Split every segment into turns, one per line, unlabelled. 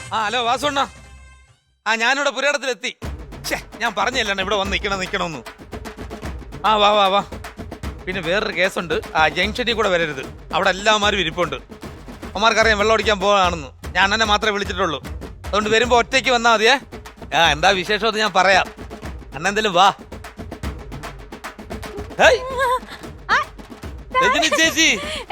Hello വാസുണ്ണ. ഞാനിവിടെ പുരയിടത്തിലെത്തി. ഞാൻ പറഞ്ഞല്ലേ ഇവിടെ വന്ന് നിക്കണമെന്ന്. വാ വാ വാ. പിന്നെ വേറൊരു കേസുണ്ട്. ജംഗ്ഷനിൽ കൂടെ വരരുത്. അവിടെ എല്ലാമാരും ഇരിപ്പുണ്ട്. അമ്മമാർക്കറിയാം വെള്ളം അടിക്കാൻ പോകാണെന്ന്. ഞാൻ അണ്ണനെ മാത്രമേ വിളിച്ചിട്ടുള്ളൂ. അതുകൊണ്ട് വരുമ്പോ ഒറ്റയ്ക്ക് വന്നാൽ മതിയേ. എന്താ വിശേഷം ഞാൻ പറയാം. അണ്ണ എന്തേലും വാ. ചേച്ചി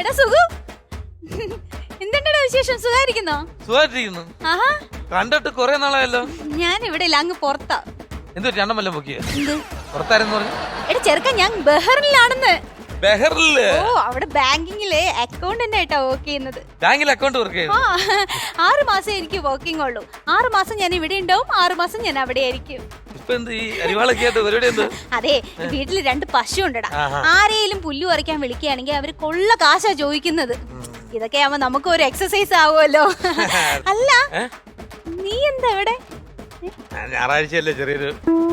സുഖമായിട്ടിരിക്കുന്നു. കണ്ടിട്ട് കൊറേ നാളായല്ലോ.
ഞാൻ ഇവിടെ ഇല്ല, അങ്ങ് പുറത്താ.
എന്തോ രണ്ടും വല്ലതും പൊക്കിയ പുറത്താരെന്ന് പറഞ്ഞു.
എടാ ചെറുക്കൻ, ഞാൻ ബഹറിലാണെന്ന്.
ബഹറില്?
ഓ, അവിടെ ബാങ്കിങ്ങിലെ അക്കൗണ്ടന്റ് ആയിട്ടാ വർക്ക് ചെയ്യുന്നത്.
ബാങ്കിൽ അക്കൗണ്ട് വർക്ക് ചെയ്യുന്നു.
6 മാസം എനിക്ക് വർക്കിംഗ് ഉള്ളൂ. 6 മാസം ഞാൻ ഇവിടെ ഉണ്ടാവും, 6 മാസം ഞാൻ അവിടെ ആയിരിക്കും. അതെ, വീട്ടില് 2 പശു ഉണ്ടടാ. ആരെയും പുല്ലു പറിക്കാൻ വിളിക്കുകയാണെങ്കിൽ അവര് കൊള്ള കാശാ ചോദിക്കുന്നത്. ഇതൊക്കെ ആവുമ്പോ നമുക്ക് ഒരു എക്സസൈസ് ആവുമല്ലോ. അല്ല, നീ എന്താ ഇവിടെ?
ഞായറാഴ്ചയല്ലേ ചെറിയൊരു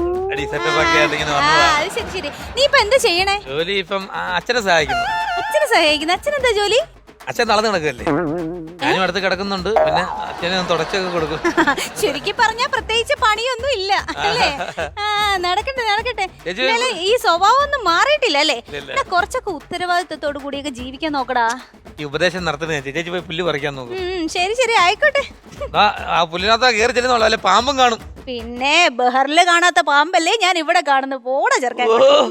ശരി. നീ ഇപ്പൊ എന്താ ചെയ്യണേ?
ജോലി ഇപ്പം അച്ഛനെ സഹായിക്കുന്നു.
അച്ഛനെ സഹായിക്കുന്നു? അച്ഛനെന്താ ജോലി?
അച്ഛൻ നടന്നു കിടക്കല്ലേ, ഞാനും അടുത്ത് കിടക്കുന്നുണ്ട്. പിന്നെ അച്ഛനെ തുടച്ചൊക്കെ കൊടുക്കും.
ശരിക്കും പറഞ്ഞാ പ്രത്യേകിച്ച് പണിയൊന്നും ഇല്ല അല്ലേ? നടക്കട്ടെ നടക്കട്ടെ. ഈ സ്വഭാവം ഒന്നും മാറിയിട്ടില്ല അല്ലേ? കുറച്ചൊക്കെ ഉത്തരവാദിത്വത്തോടു കൂടിയൊക്കെ ജീവിക്കാൻ നോക്കടാ.
ഈ ഉപദേശം നടത്തുന്നത് ചേച്ചി പോയി പുല്ല് പറിക്കാൻ നോക്കും.
ശരി ശരി, ആയിക്കോട്ടെ.
പുല്ലിനകത്താ കയറി ചെല്ലുന്നുള്ളൂ, അല്ലെ പാമ്പും കാണും.
പിന്നെ ബഹറില് കാണാത്ത പാമ്പല്ലേ ഞാൻ ഇവിടെ കാണുന്നു. പോടാ ചെറുക്കൻ.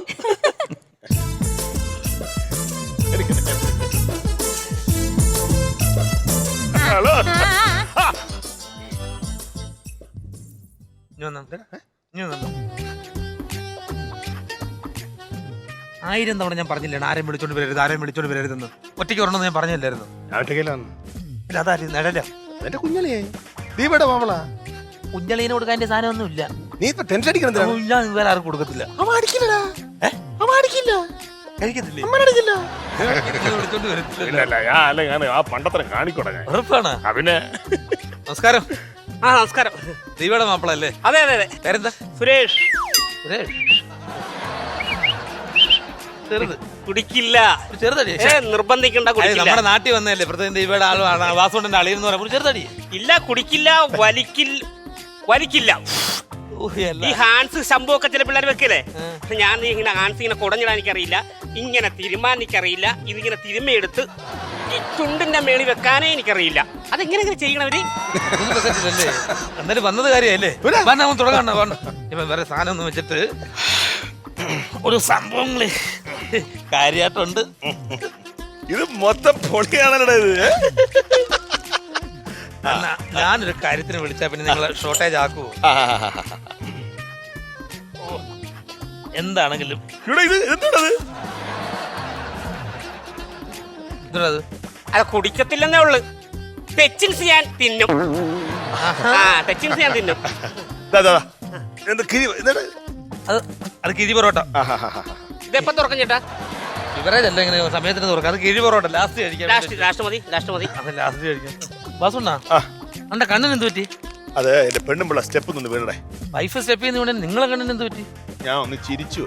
ആയിരം തവണ ഞാൻ പറഞ്ഞില്ലേ ആരെയും വിളിച്ചോണ്ട് വരരുത്, ആരെയും വിളിച്ചോണ്ട് വരരുതെന്ന്. ഒറ്റയ്ക്ക് വരണമെന്ന് ഞാൻ പറഞ്ഞില്ലായിരുന്നു. കുഞ്ഞളീനെ കൊടുക്കാൻ എന്റെ സാധനം ഒന്നും ഇല്ല.
നീ ഇപ്പൊ ടെൻഷൻ അടിക്കണം.
ഞാൻ വേറെ ആർക്കും കൊടുക്കത്തില്ല. നമസ്കാരം.
നമസ്കാരം.
ദീപയുടെ മാപ്പിളല്ലേ?
അതെ അതെ അതെ.
പേരെന്താ?
സുരേഷ്.
സുരേഷ് ചെറുത്
കുടിക്കില്ല.
ചെറുതടി
നിർബന്ധിക്കണ്ട.
നമ്മുടെ നാട്ടിൽ വന്നല്ലേ പ്രത്യേകം ദീപയുടെ ആളാണ് വാസുണ്ടന്റെ അളിയെന്ന് പറയുമ്പോൾ ചെറുതടി.
ഇല്ല, കുടിക്കില്ല. വലിക്കില്ല. ഈ ഹാൻസ് ശംഭു ഒക്കെ ചില പിള്ളേർ വെക്കല്ലേ, ഞാൻ ഇങ്ങനെ ഹാൻസ് ഇങ്ങനെ കുടഞ്ഞിടാൻ എനിക്കറിയില്ല, ഇങ്ങനെ തിരുമാൻ എനിക്കറിയില്ല, ഇതിങ്ങനെ തിരുമ്മയെടുത്ത് ഈ ചുണ്ടിന്റെ മേളി വെക്കാനേ എനിക്കറിയില്ല. അതെങ്ങനെ ഇങ്ങനെ ചെയ്യണവര്?
എന്നാലും വന്നത് കാര്യല്ലേ, തുടങ്ങണ്ട. ഇപ്പൊ വേറെ സാധനം ഒന്നും വെച്ചിട്ട് ഒരു സംഭവങ്ങള് കാര്യമായിട്ടുണ്ട്.
ഇത് മൊത്തം പൊളിയാണല്ലോ ഇത്.
ഞാനൊരു കാര്യത്തിന് വിളിച്ചാ പിന്നെ നിങ്ങളെ ഷോർട്ടേജ് ആക്കുവോ? എന്താണെങ്കിലും
അത് കുടിക്കത്തില്ലെന്നേ ഉള്ളു. തെച്ചിൻസ് ഞാൻ തിന്നും. തെച്ചിൻസ് ഞാൻ തിന്നും.
അത് കിഴി പൊറോട്ട.
ഇതെപ്പോ തുറക്കും ചേട്ടാ?
ഇവരല്ല ഇങ്ങനെ സമയത്തിന് തുറക്കാം. അത് കിഴി പൊറോട്ട ലാസ്റ്റ് കഴിക്കാം.
ലാസ്റ്റ് മതി.
അത് ലാസ്റ്റ് കഴിക്കാം. വാസുണ്ണാ, അന്റെ കണ്ണിന് എന്ത് പറ്റി?
അതെ, എന്റെ പെണ്ണുമ്പിള്ള സ്റ്റെപ്പ് നിന്ന് വീണേ.
വൈഫ് സ്റ്റെപ്പ് ചെയ്യുന്ന നിങ്ങളെ കണ്ണിന് എന്ത് പറ്റി?
ഞാൻ ഒന്ന് ചിരിച്ചു.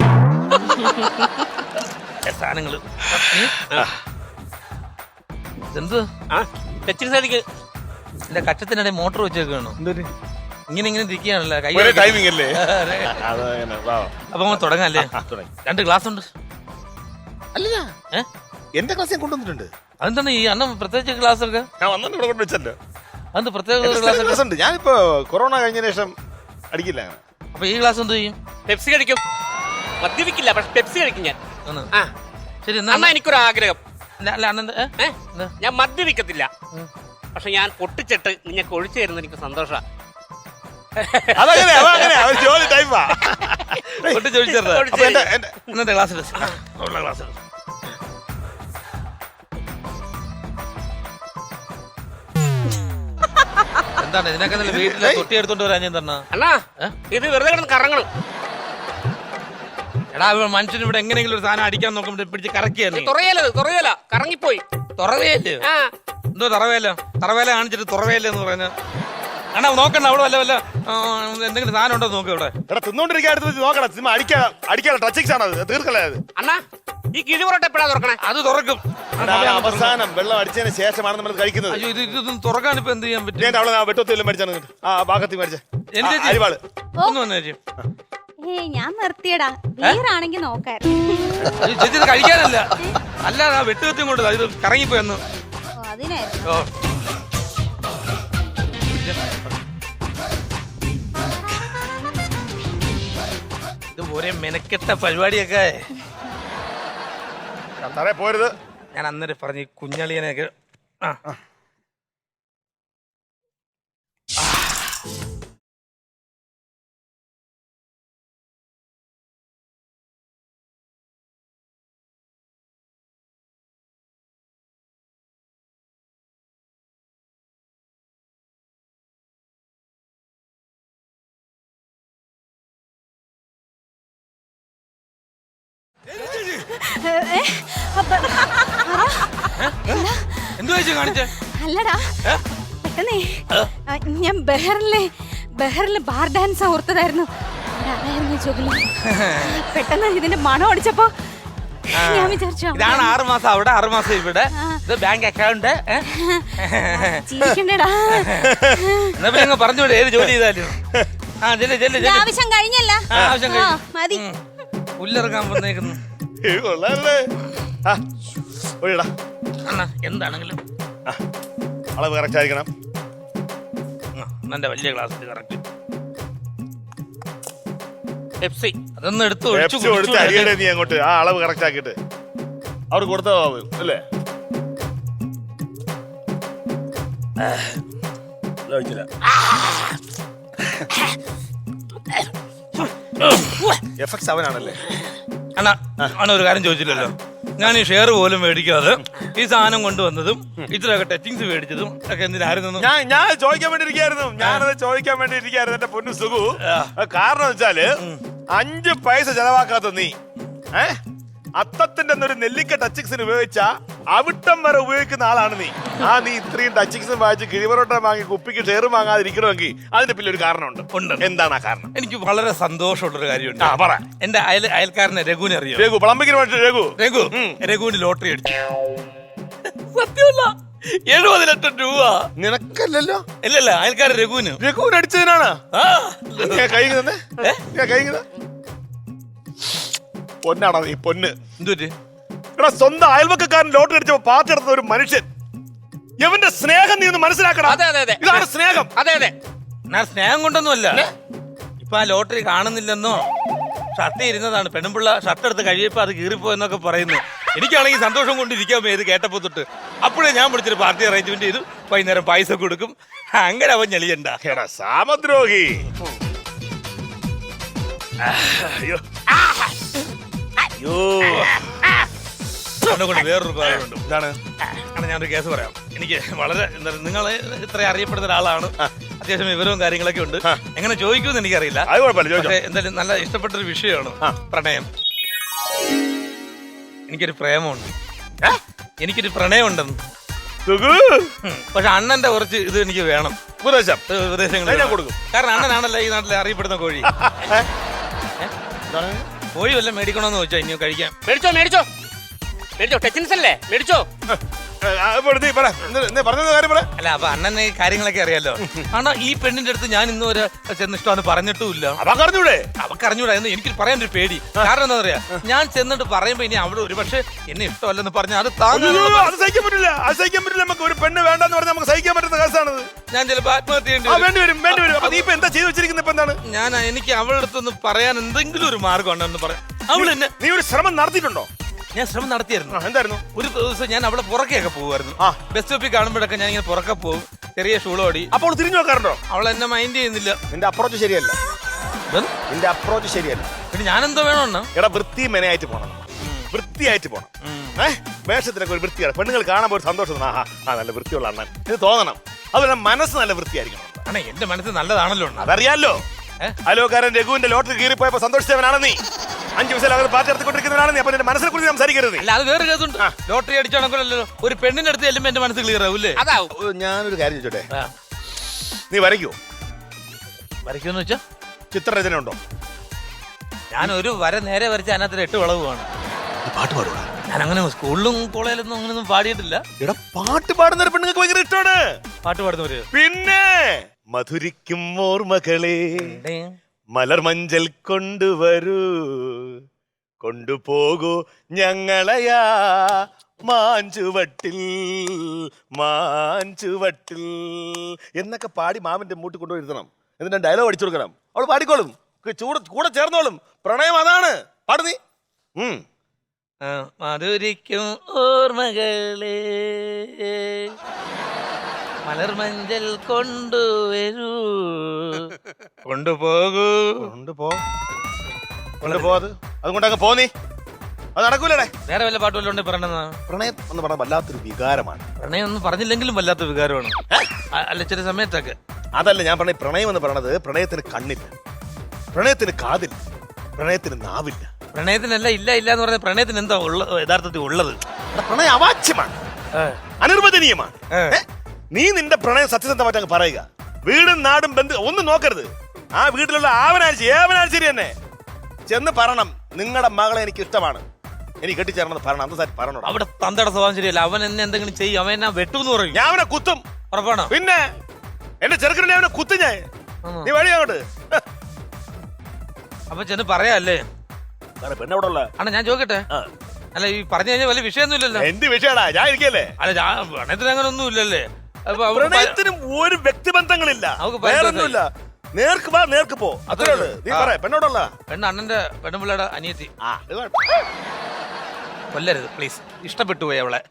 സാധനങ്ങള് എന്ത് എന്റെ കച്ചത്തിനിടെ മോട്ടോർ വെച്ചേക്കാണോ? ഇങ്ങനെ ഇരിക്കുകയാണല്ലോ.
ടൈമിംഗ് അല്ലേ?
അപ്പൊ തുടങ്ങാല്ലേ? 2 ഗ്ലാസ് ഉണ്ട്.
അല്ല, എന്റെ ക്ലാസ് ഞാൻ കൊണ്ടുവന്നിട്ടുണ്ട്.
അതെന്താണ് ഈ അണ്ണൻ പ്രത്യേകിച്ച് ക്ലാസ് ഒക്കെ?
ഞാൻ വന്നിട്ട് ഇവിടെ കൊണ്ടുവച്ചല്ലോ.
അത് പ്രത്യേക ക്ലാസ്
ഉണ്ട്. ഞാനിപ്പോ കൊറോണ കഴിഞ്ഞ ശേഷം അടിക്കില്ല.
അപ്പൊ ഈ ക്ലാസ് എന്ത് ചെയ്യും?
പെപ്സി കഴിക്കും. മദ്യപിക്കില്ല, പക്ഷെ പെപ്സി കഴിക്കും ഞാൻ.
ശരി,
എന്നാ എനിക്കൊരു ആഗ്രഹം.
ഞാൻ
മദ്യപിക്കത്തില്ല, പക്ഷെ ഞാൻ പൊട്ടിച്ചിട്ട് നിങ്ങൾക്ക് ഒഴിച്ചു തരുന്ന എനിക്ക് സന്തോഷമാണ്.
എന്താണ് ഇതിനൊക്കെ വീട്ടിലെ തൊട്ടി എടുത്തോണ്ട് വരാൻ ഞാൻ തന്നാ?
അണ്ണാ, ഇത് വെറുതെ കിടന്ന് കറങ്ങണം.
എടാ, മനുഷ്യന് ഇവിടെ എങ്ങനെയെങ്കിലും ഒരു സാധനം അടിക്കാൻ നോക്കുമ്പോ പിടിച്ച് കറക്കിയാണ്.
തുറയല കറങ്ങിപ്പോയി.
തുറവേല് എന്തോ തറവേല കാണിച്ചിട്ട് തുറവേല എന്ന് പറഞ്ഞ അണ്ണാ നോക്കണ്ട. അവിടെ വല്ല എന്തെങ്കിലും സാധനം ഉണ്ടോ നോക്ക്. ഇവിടെ
നോക്കണം. അടിക്കാൻ ടച്ചിങ്സ് ആണ്. തീർക്കല്ലേ
അണ്ണാ? ഈ കിഴി പൊറോട്ട എപ്പോഴാ തുറക്കണേ?
അത് തുറക്കും.
അവസാനം വെള്ളം അടിച്ചതിന് ശേഷമാണ് നമ്മൾ കഴിക്കുന്നത്.
അയ്യോ ഇതൊന്നും തുറക്കാൻ ഇപ്പൊ എന്ത് ചെയ്യാൻ പറ്റും?
ഞാൻ അവളെ വെട്ടത്തിൽ മേടിച്ചാണ് ആ ഭാഗത്തിൽ മേടിച്ച അരിവാള്
ഒന്ന് വന്നു ചേച്ചി.
ഞാൻ നിർത്തിയടാ. ബീറാണെങ്കി നോക്കായിരുന്നു.
ചേച്ചി ഇത് കഴിക്കാനല്ല, അല്ലാതെ ആ വെട്ടുകത്തിയും കൊണ്ട് ഇത് കറങ്ങിപ്പോയെന്ന്.
അതിനായിരുന്നു.
ഓ ഇത് ഒരേ മെനക്കെട്ട പരിപാടിയൊക്കെ.
പോരുത്.
ഞാൻ അന്നേരം പറഞ്ഞു ഈ കുഞ്ഞളിയനെയൊക്കെ. ആ എന്തു വെച്ചു കാണിച്ചേ?
അല്ലടാ പെട്ടെന്നേ ഞാൻ ബെഹറിലെ ബാർ ഡാൻസ് ഓർത്തതായിരുന്നു. അതായിരുന്നു ജോലി. പെട്ടെന്ന് ഇതിന്റെ മണം അടിച്ചപ്പോ ഞാൻ വിചാരിച്ചു
ഇതാണ് 6 മാസം അവിടെ 6 മാസം ഇവിടെ. ഇത് ബാങ്ക് അക്കൗണ്ട്.
ജീവിക്കണ്ടേടാ.
എന്നാ പിന്നെ അങ്ങ് പറഞ്ഞുവിടെ ഏത് ജോലി ചെയ്താലും.
ആവശ്യം കഴിഞ്ഞല്ല.
ആവശ്യം കഴിഞ്ഞു.
മതി.
പുല്ലിറങ്ങാൻ വന്നേക്കുന്നു. അണ്ണാ എന്താണെങ്കിലും
അളവ് കറക്റ്റ് ആയിരിക്കണം.
എന്റെ വലിയ ക്ലാസ്സിൽ കറക്റ്റ്. പെപ്സി അതൊന്നും എടുത്ത്
അരിയുടെ നീ അങ്ങോട്ട് ആ അളവ് കറക്റ്റ് ആക്കിയിട്ട് അവർ കൊടുത്താ അല്ലേ? എഫക്ട്സ് അവനാണല്ലേ?
അണ്ണാ അണ്ണ ഒരു കാര്യം ചോദിച്ചില്ലല്ലോ. ഞാൻ ഈ ഷെയർ പോലും മേടിക്കാതെ ഈ സാധനം കൊണ്ടുവന്നതും ഇത്രയൊക്കെ ടച്ചിങ്സ് മേടിച്ചതും ഒക്കെ എന്തിനായിരുന്നു?
ഞാൻ ചോദിക്കാൻ വേണ്ടി ഇരിക്കായിരുന്നു. ഞാനത് ചോദിക്കാൻ വേണ്ടി ഇരിക്കായിരുന്നു എന്റെ പൊന്നു സുഖു. കാരണം വെച്ചാല് 5 പൈസ ചെലവാക്കാത്ത നീ അത്തത്തിന്റെ ഒരു നെല്ലിക്ക ടച്ചിങ്സിന് ഉപയോഗിച്ച അവിട്ടം വരെ ഉപയോഗിക്കുന്ന ആളാണ് നീ. നീ ഇത്രയും ടച്ചിങ്സും വാങ്ങിച്ച് കിഴിവറോട്ടം വാങ്ങി കുപ്പിക്ക് ഷെയർ വാങ്ങാതിരിക്കണമെങ്കിൽ അതിന്റെ പിന്നിൽ ഒരു കാരണമുണ്ട്. എന്താണ് ആ കാരണം?
എനിക്ക് വളരെ സന്തോഷമുള്ളൊരു കാര്യമുണ്ട്. പറ. എന്റെ അയൽക്കാരനെ രഘുവിനെ അറിയോ?
രഘു പ്ലംബിങ്ങിന്
രഘുവിന് ലോട്ടറി അടിച്ചു. സത്യമല്ല, 70 ലക്ഷം രൂപ.
നിനക്കല്ലല്ലോ.
ഇല്ലല്ല, അയൽക്കാരൻ രഘുവിന്
അടിച്ചതിനാണ്. പൊന്നാണോ നീ പൊന്ന്? എടാ സ്വന്തം അയൽവക്കാരൻ ലോട്ടറി അടിച്ചപ്പോ പാർട്ടി എടുത്ത ഒരു മനുഷ്യൻ, ഇവന്റെ സ്നേഹം നീ ഒന്ന് മനസ്സിലാക്കണം. ഇതാണ് സ്നേഹം.
ഞാൻ സ്നേഹം കൊണ്ടൊന്നുമല്ല. ഇപ്പൊ ആ ലോട്ടറി കാണുന്നില്ലെന്നോ ഷർട്ട് ഇരുന്നതാണ്, പെണ്ണുമ്പിള്ള ഷർട്ട് എടുത്ത് കഴിയപ്പോ അത് കീറിപ്പോയെന്നൊക്കെ പറയുന്നു. എനിക്കാണെങ്കിൽ സന്തോഷം കൊണ്ടിരിക്കാൻ ഇത് കേട്ടപ്പോ തൊട്ട്. അപ്പോഴേ ഞാൻ വിളിച്ചൊരു പാർട്ടി അറേഞ്ച്മെന്റ് ചെയ്തു. വൈകുന്നേരം പൈസ കൊടുക്കും. അങ്ങനെ അവൻ ഞെളിയണ്ട.
സാമദ്രോഹി.
വേറൊരു കാര്യമുണ്ട്. ഇതാണ് ഞാനൊരു കേസ് പറയാം. എനിക്ക് വളരെ നിങ്ങൾ ഇത്ര അറിയപ്പെടുന്ന ഒരാളാണ്, അത്യാവശ്യം വിവരവും കാര്യങ്ങളൊക്കെ ഉണ്ട്. എങ്ങനെ ചോദിക്കുമെന്ന് എനിക്കറിയില്ല. പക്ഷെ എന്തായാലും നല്ല ഇഷ്ടപ്പെട്ടൊരു വിഷയമാണ് പ്രണയം. എനിക്കൊരു പ്രേമമുണ്ട്, എനിക്കൊരു പ്രണയമുണ്ടെന്ന്. പക്ഷെ അണ്ണന്റെ കുറച്ച് ഇത് എനിക്ക് വേണം, ഉപദേശങ്ങൾ കൊടുക്കും. കാരണം അണ്ണനാണല്ലോ ഈ നാട്ടിലെ അറിയപ്പെടുന്ന കോഴി. കോഴി വല്ലതും മേടിക്കണമെന്ന് വെച്ചോ ഇനി കഴിക്കാൻ?
മേടിച്ചോ ടെച്ചിൻസ് അല്ലേ, മേടിച്ചോ.
അല്ല അപ്പൊ അണ്ണന് ഈ കാര്യങ്ങളൊക്കെ അറിയാലോ. അണ്ണാ ഈ പെണ്ണിന്റെ അടുത്ത് ഞാൻ ഇന്ന് വരെ ചെന്ന് ഇഷ്ടമാണ് പറഞ്ഞിട്ടുമില്ല. അവക്കറിഞ്ഞൂടാ എന്ന് എനിക്ക് പറയാൻ ഒരു പേടി. കാരണം എന്താ പറയാ, ഞാൻ ചെന്നിട്ട് പറയുമ്പോ ഇനി അവിടെ ഒരു പക്ഷെ എന്നെ ഇഷ്ടമല്ലെന്ന് പറഞ്ഞാൽ അത്
സഹിക്കാൻ പറ്റില്ല. നമുക്ക് ഒരു പെണ്ണ് വേണ്ടെന്ന് പറഞ്ഞാൽ നമുക്ക് സഹിക്കാൻ പറ്റുന്ന കേസാണത്.
ഞാൻ ചിലപ്പോ ആത്മഹത്യ ഞാൻ എനിക്ക് അവളുടെ അടുത്തൊന്ന് പറയാൻ എന്തെങ്കിലും ഒരു മാർഗം ഉണ്ടെന്ന് പറയാം. അവളെന്നെ
നീ ഒരു ശ്രമം നടത്തിയിട്ടുണ്ടോ?
ഞാൻ ശ്രമം നടത്തിയായിരുന്നു.
എന്തായിരുന്നു?
ഒരു ദിവസം ഞാൻ അവളെ പുറക്കെയൊക്കെ പോകുമായിരുന്നു. ബസ് സ്റ്റോപ്പിൽ കാണുമ്പോഴൊക്കെ ഞാൻ ഇങ്ങനെ പുറക്കെ പോകും, ചെറിയ ഷൂളോടി.
അപ്പോൾ തിരിഞ്ഞു നോക്കാറുണ്ടോ?
അവൾ എന്നെ മൈൻഡ് ചെയ്യുന്നില്ല.
നിന്റെ അപ്രോച്ച് ശരിയല്ല.
പിന്നെ ഞാൻ എന്തോ വേണമെന്ന്?
എടാ വൃത്തി മെനയായിട്ട് പോണം, വൃത്തിയായിട്ട് പോണം. വേഷത്തിനൊക്കെ ഒരു വൃത്തിയാണ്. പെണ്ണുങ്ങൾ കാണുമ്പോൾ ഒരു സന്തോഷം. നല്ല വൃത്തിയുള്ള അണ്ണൻ ഇത് തോന്നണം. അതുപോലെ മനസ്സ് നല്ല വൃത്തിയായിരിക്കണം.
അണ്ണാ എന്റെ മനസ്സ് നല്ലതാണല്ലോ.
അതറിയാലോ. അലോകാരൻ രഘുവിന്റെ ലോട്ടറി കീറിപ്പോയപ്പോ സന്തോഷിച്ചവനാണ് നീ. 5 പൈസ പാർട്ടി എടുത്തുകൊണ്ടിരിക്കുന്നവരാണ് നീ. അപ്പൊ എന്റെ മനസ്സിനെ കുറിച്ച് സംസാരിക്കരുത്.
അല്ല അത് വേറെ കേസുണ്ട്. ലോട്ടറി അടിച്ചാണല്ലോ ഒരു പെണ്ണിന്റെ അടുത്ത് ചെല്ലുമ്പോ എന്റെ മനസ്സ് ക്ലിയർ ആവൂല്ലേ?
ഞാനൊരു കാര്യം ചോദിച്ചോട്ടെ, നീ വരയ്ക്കുമെന്ന് വെച്ചാ ചിത്രരചന ഉണ്ടോ?
ഞാൻ ഒരു വര നേരെ വരച്ച അതിനകത്ത് 8 വളവുമാണ്.
പാട്ട് പാടുക.
ഞാനങ്ങനെ സ്കൂളിലും കോളേജിലൊന്നും അങ്ങനെയൊന്നും പാടിയിട്ടില്ല.
എടാ പാട്ട് പാടുന്ന പെണ്ണുങ്ങൾക്ക് ഭയങ്കര ഇഷ്ടമാണ്.
പാട്ട് പാടുന്നവര്
പിന്നെ മധുരിക്കും ഓർമ്മകളെ മലർമഞ്ചൽ കൊണ്ടുവരൂ, കൊണ്ടുപോകൂ ഞങ്ങളയാ മാഞ്ചുവട്ടിൽ മാഞ്ചുവട്ടിൽ എന്നൊക്കെ പാടി മാമിന്റെ മൂട്ടി കൊണ്ടുപോയിരുത്തണം. എന്നിട്ട് ഡയലോഗ് അടിച്ചു കൊടുക്കണം. അവൾ പാടിക്കോളും, കൂടെ ചേർന്നോളും. പ്രണയം അതാണ്. പാടു നീ.
മധുരിക്കും ഓർമ്മകളെ മലർമഞ്ചൽ കൊണ്ടുവരൂ, കൊണ്ടുപോകൂ.
കൊണ്ടുപോത് അതുകൊണ്ടങ്ങ് പോ നീ. അത് നടക്കൂലേ.
വേറെ വല്ല പാട്ട് വല്ലതും പറയണെന്നാ?
പ്രണയം എന്ന് പറഞ്ഞാൽ വല്ലാത്തൊരു വികാരമാണ്.
പ്രണയം ഒന്നും പറഞ്ഞില്ലെങ്കിലും വല്ലാത്ത വികാരമാണ്. അല്ല ചില സമയത്തൊക്കെ.
അതല്ല ഞാൻ പറഞ്ഞ പ്രണയം എന്ന് പറയണത്, പ്രണയത്തിന് കണ്ണില്ല, പ്രണയത്തിന് കാതില്ല, പ്രണയത്തിന് നാവില്ല.
പ്രണയത്തിനല്ല ഇല്ല ഇല്ല എന്ന് പറഞ്ഞ പ്രണയത്തിന് എന്താ യഥാർത്ഥത്തിൽ ഉള്ളത്?
പ്രണയം അവാച്യമാണ്, അനിർവചനീയമാണ്. നീ നിന്റെ പ്രണയം സത്യസന്ധമായിട്ട് അങ്ങ് പറയുക. വീടും നാടും ബന്ധു ഒന്നും നോക്കരുത്. ആ വീട്ടിലുള്ള ഏവനാഴ്ച ശരി തന്നെ ചെന്ന് പറയണം, നിങ്ങളുടെ മകളെ എനിക്ക് ഇഷ്ടമാണ്, എനിക്ക് കെട്ടിച്ചേരണമെന്ന് പറയണം. അന്ന് സാർ പറയണം.
അവിടെ തന്തയുടെ സ്വഭാവം ശരിയല്ല. അവൻ എന്നെ എന്തെങ്കിലും ചെയ്യും, അവൻ എന്നെ വെട്ടൂന്ന് പറയും.
ഞാൻ അവനെ കുത്തും.
ഉറപ്പാണോ?
പിന്നെ എന്റെ ചെറുക്കനെ അവനെ കുത്തും ഞാൻ. നീ വഴി അങ്ങോട്ട്.
അപ്പൊ ചെന്ന് പറയാല്ലേ?
പെണ്ണെവിടെ ഉള്ള
അണ്ണാ ഞാൻ ചോദിക്കട്ടെ? അല്ല ഈ പറഞ്ഞു കഴിഞ്ഞാൽ വലിയ വിഷയമൊന്നും ഇല്ലല്ലോ.
എന്ത് വിഷയടാ, ഞാൻ ഇരിക്കല്ലേ.
അല്ല പ്രണയത്തിന് അങ്ങനെ ഒന്നും ഇല്ലല്ലേ?
പ്രണയത്തിനും ഒരു വ്യക്തിബന്ധങ്ങളില്ല, വേറൊന്നുമില്ല. നേർക്ക് വാ നേർക്ക് പോ, അത്രേ ഉള്ളൂ. നീ പറ പെണ്ണോടുള്ള
പെണ്ണ് അണ്ണന്റെ പെണ്ണുപിള്ളയുടെ അനിയത്തി. കൊല്ലരുത് പ്ലീസ്. ഇഷ്ടപ്പെട്ടു പോയി അവളെ.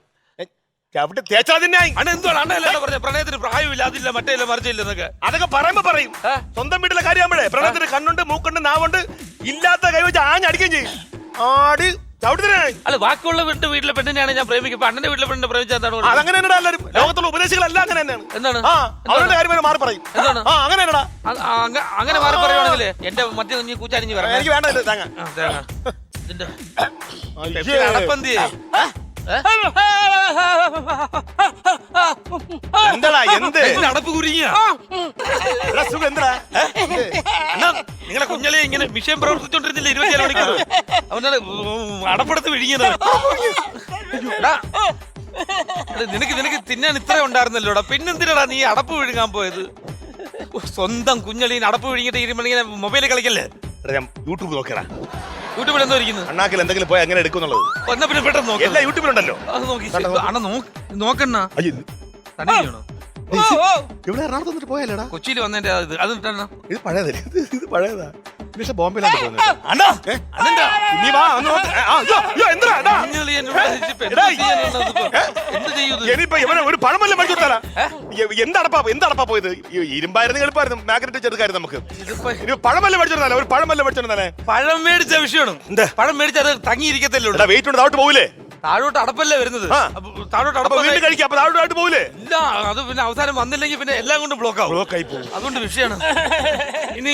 പ്രണയത്തിന് പ്രായമില്ല, അതില്ല മറ്റേ മറിച്ചില്ലെന്നൊക്കെ
അതൊക്കെ പറയുമ്പോ പറയും. സ്വന്തം വീട്ടിലെ കാര്യമാകുമ്പോഴേ പ്രണയത്തിന് കണ്ണുണ്ട്, മൂക്കുണ്ട്, നാവുണ്ട്. ഇല്ലാത്ത കൈ വെച്ച് ആഞ്ഞടിക്കുകയും ചെയ്യും. ആടി
അല്ല ബാക്കിയുള്ള വീട്ടിലെ പെണ്ണിനെയാണ് ഞാൻ പ്രേമിക്കും. അണ്ണന്റെ വീട്ടിലെ പെണ്ണിനെ പ്രേമിച്ചാൽ
അതങ്ങനെ എല്ലാവരും ലോകത്തുള്ള ഉപദേശികളെല്ലാം അങ്ങനെ തന്നെയാണ്.
എന്താണ്
അവരുടെ കാര്യം മാറി പറയും. അങ്ങനെ
അങ്ങനെ മാറി പറയുവാണെങ്കിൽ എന്റെ മറ്റേ കുഞ്ഞി കൂച്ചാരിഞ്ഞ് പറയാം.
എനിക്ക് വേണ്ട
അടപ്പന്തി
എന്താ എന്ത്
അടപ്പ് കുരുങ്ങിയ നിങ്ങളെ കുഞ്ഞളെ ഇങ്ങനെ വിഷയം പ്രവർത്തിച്ചോണ്ടിരുന്നില്ല 24 മണിക്കൂർ. അവനാണ് അടപ്പെടുത്ത് വിഴുങ്ങിയത്. നിനക്ക് തിന്നാൻ ഇത്ര ഉണ്ടായിരുന്നല്ലോടാ, പിന്നെന്തിനാടാ നീ അടപ്പ് വിഴുങ്ങാൻ പോയത്? സ്വന്തം കുഞ്ഞളീന് അടപ്പ് വിഴുങ്ങിട്ട് ഇങ്ങനെ മൊബൈലിൽ കളിക്കല്ലേ?
ഞാൻ യൂട്യൂബ് നോക്കടാ.
യൂട്യൂബിൽ എന്തോ ഇരിക്കുന്നു?
അണ്ണാക്കിൽ എന്തെങ്കിലും പോയി എങ്ങനെ എടുക്കുന്നുള്ളത്
എന്നാ പിന്നെ പെട്ടെന്ന് നോക്കി.
എല്ലാ യൂട്യൂബിലുണ്ടല്ലോ.
അത് നോക്കി അണ്ണ നോക്കണ്ണ. തന്നെ ചെയ്യണോ?
ഇവിടെ എറണാകുളത്ത് വന്നിട്ട് പോയാലേടാ?
കൊച്ചിയിൽ വന്നതിന്റെ അത്
ഇത് പഴയതല്ലേ? ഇത് പഴയതാ. ബോംബെയിലാണ് പോകുന്നത്. ഇനിയിപ്പോ ഇവനെ ഒരു പഴമല്ല മേടിച്ചു കൊടുത്താലാ? എന്തടപ്പാ പോയത്? ഇരുമ്പായിരുന്നു എളുപ്പമായിരുന്നു, മാഗ്നറ്റ് ചെറുക്കായിരുന്നു നമുക്ക്. ഇനി പഴമല്ല മേടിച്ചു കൊടുത്താലേ, ഒരു പഴമല്ല മേടിച്ചു കൊടുത്താലേ.
പഴം മേടിച്ച വിഷയമാണ്. പഴം മേടിച്ചാൽ അത് തങ്ങിയിരിക്കത്തല്ലോ.
വെയിറ്റ് ഉണ്ട്, താഴോട്ട് പോകൂലേ?
താഴോട്ട് അടപ്പല്ലേ വരുന്നത്. താഴോട്ട് അടപ്പ്
കഴിക്കാം. അപ്പൊ താഴോട്ട് പോകൂലേ?
ഇല്ല, അത് പിന്നെ അവസാനം വന്നില്ലെങ്കിൽ പിന്നെ എല്ലാം കൊണ്ട് ബ്ലോക്ക് ആവും. അതുകൊണ്ട് വിഷയമാണ്. ഇനി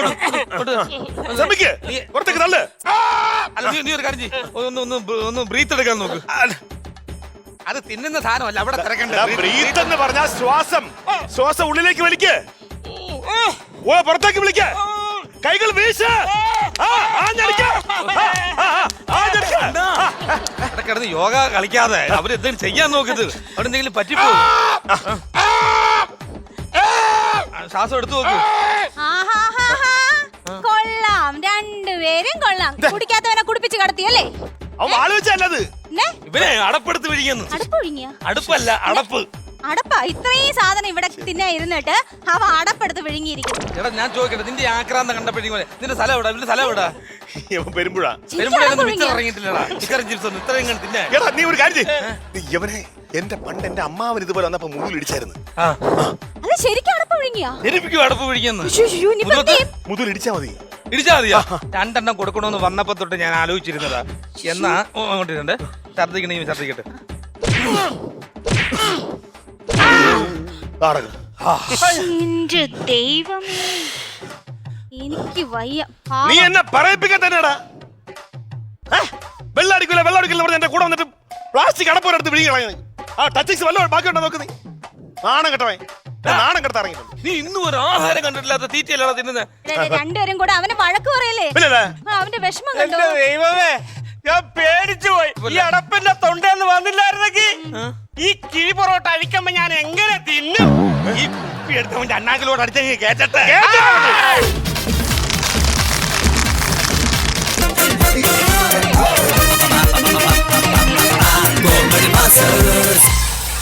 പുറത്തേക്ക് തള്ളു.
അല്ല നീ ഒരു കാര്യം ചെയ്യ്, ഒന്ന് ബ്രീത്ത് എടുക്കാൻ നോക്ക്. അത് തിന്നുന്ന സാധനമല്ല, അവിടെ തിരക്കണ്ട.
ബ്രീത്ത് എന്ന് പറഞ്ഞാൽ ശ്വാസം ഉള്ളിലേക്ക് വലിക്ക്, പുറത്തേക്ക് വിളിക്ക, കൈകൾ വീശ.
കിടന്ന് യോഗ കളിക്കാതെ അവരെന്തെങ്കിലും ചെയ്യാൻ നോക്കത്. അവിടെ എന്തെങ്കിലും പറ്റിപ്പോ. ശ്വാസം എടുത്തു നോക്ക്.
കൊള്ളാം, രണ്ടുപേരും കൊള്ളാം. കുടിക്കാത്തവനെ കുടിപ്പിച്ച് കടത്തിയല്ലേ?
ഇവനെ അടപ്പെടുത്ത് വിഴിയുന്നു. അടുപ്പല്ല, അടപ്പ്.
അടപ്പാ? ഇത്രയും സാധനം ഇവിടെ തിന്നാ ഇരുന്നിട്ട് അവ അടപ്പെടുത്ത് വിഴുങ്ങിയിരിക്കുന്നു.
എടാ ഞാൻ ചോദിക്കട്ടെ, നിന്റെ ആക്രാന്തം കണ്ടപ്പോഴേ നിന്റെ സ്ഥലം എവിടാ? നിന്റെ സ്ഥലം എവിടാ?
പെരുമ്പുഴ.
ഇറങ്ങിയിട്ടില്ലടാ ചിക്കൻ ചിപ്സ് ഒന്നും ഇത്രയും തിന്നാ.
നീ ഒരു കാര്യം ഇവനെ എന്റെ അമ്മാവൻ ഇതുപോലെ വന്നപ്പോ മുതലിടിച്ചായിരുന്നു.
അല്ല ശരിക്കും അടപ്പ് വിഴുങ്ങിയാ?
ശരിക്കും അടപ്പ് വിഴുങ്ങിയെന്ന്.
മുതലിടിച്ചാ മതി.
ഇടിച്ചാ മതിയാ? 2 എണ്ണം കൊടുക്കണമെന്ന് വന്നപ്പോ തൊട്ട് ഞാൻ ആലോചിച്ചിരുന്നതാ. എന്നാ അങ്ങോട്ടിട്ടുണ്ട്. ഛർദിക്കട്ടെ.
എന്റെ ദൈവമേ, എനിക്ക് വയ്യ.
നീ എന്നെ പറയിപ്പിക്കാൻ തന്നെടാ. വെള്ളടിക്കില്ല എന്റെ കൂടെ വന്നിട്ട് പ്ലാസ്റ്റിക് അടപ്പോരെടുത്ത് വിഴുങ്ങി. ടച്ചിക്സ് വല്ലതും ബാക്കിയുണ്ടോ നോക്ക്. നീ നാണം കെട്ടവൻ, നാണം കെടുത്ത് ഇറങ്ങിയിട്ടുണ്ട്.
നീ ഇന്നും ഒരു ആഹാരം കണ്ടിട്ടില്ലാത്ത തീറ്റയല്ലാതെ തിന്നുന്നത്.
രണ്ടുപേരും കൂടെ അവനെ വഴക്ക് പറയല്ലേ? അവന്റെ വിഷമം കണ്ടോ?
ദൈവമേ,
ഞാൻ പേടിച്ചു പോയി. ഈ അടപ്പിന്റെ തൊണ്ടെന്ന് വന്നില്ലായിരുന്നെങ്കിൽ ഈ കിഴി പൊറോട്ട അഴിക്കുമ്പോ ഞാൻ എങ്ങനെ തിന്നും?
ഈ കുപ്പി എടുത്തവന്റെ അണ്ണാക്കിലോട് അടിച്ചെങ്കിൽ കേറ്റട്ടെ.